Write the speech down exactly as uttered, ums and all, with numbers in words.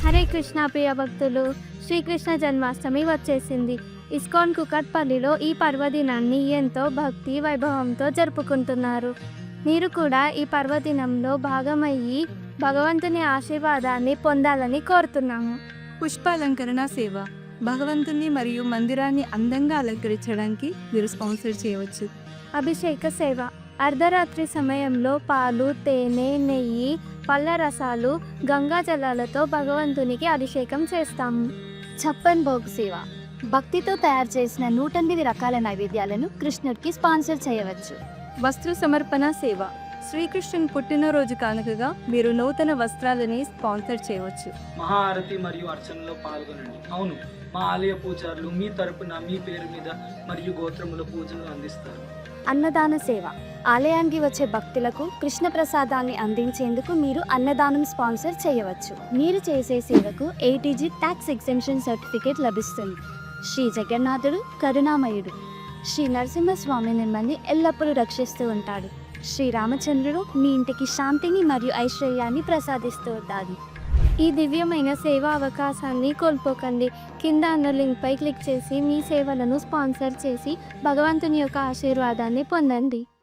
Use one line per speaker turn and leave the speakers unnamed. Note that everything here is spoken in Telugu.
హరే కృష్ణ ప్రియ భక్తులు, శ్రీకృష్ణ జన్మాష్టమి వచ్చేసింది. ఇస్కాన్ కుకట్పల్లిలో ఈ పర్వదినాన్ని ఎంతో భక్తి వైభవంతో జరుపుకుంటున్నారు. మీరు కూడా ఈ పర్వదినంలో భాగమయ్యి భగవంతుని ఆశీర్వాదాన్ని పొందాలని కోరుతున్నాము.
పుష్పాలంకరణ సేవ భగవంతుని మరియు మందిరాన్ని అందంగా అలంకరించడానికి మీరు స్పాన్సర్ చేయవచ్చు.
అభిషేక సేవ అర్ధరాత్రి సమయంలో పాలు, తేనె, నెయ్యి, పళ్ళ రసాలు, గంగా జలాలతో భగవంతునికి అభిషేకం చేస్తాము.
ఛప్పన్ భోగ్ సేవ భక్తితో తయారు చేసిన నూట ఎనిమిది రకాల నైవేద్యాలను కృష్ణుడికి స్పాన్సర్ చేయవచ్చు.
వస్త్ర సమర్పణ సేవ శ్రీకృష్ణుని పుట్టినరోజు కానుకగా మీరు నూతన వస్త్రాలని స్పాన్సర్ చేయవచ్చు.
మహాఆరతి మరియు అర్చనలో పాల్గొనండి. అవును, మా ఆలయ పూజారులు మీ తరపున మీ పేరు మీద మరియు గోత్రముల పూజలు అందిస్తారు.
అన్నదాన సేవ ఆలయానికి వచ్చే భక్తులకు కృష్ణ ప్రసాదాన్ని అందించేందుకు మీరు అన్నదానం స్పాన్సర్ చేయవచ్చు. మీరు చేసే సేవకు ఏటీజీ ట్యాక్స్ ఎగ్జెంప్షన్ సర్టిఫికేట్ లభిస్తుంది. శ్రీ జగన్నాథుడు కరుణామయుడు. శ్రీ నరసింహస్వామి మిమ్మల్ని ఎల్లప్పుడూ రక్షిస్తూ ఉంటాడు. శ్రీరామచంద్రుడు మీ ఇంటికి శాంతిని మరియు ఐశ్వర్యాన్ని ప్రసాదిస్తూ ఉంటాడు.
ఈ దివ్యమైన సేవా అవకాశాన్ని కోల్పోకండి. కింద అన్న లింక్పై క్లిక్ చేసి మీ సేవలను స్పాన్సర్ చేసి భగవంతుని యొక్క ఆశీర్వాదాన్ని పొందండి.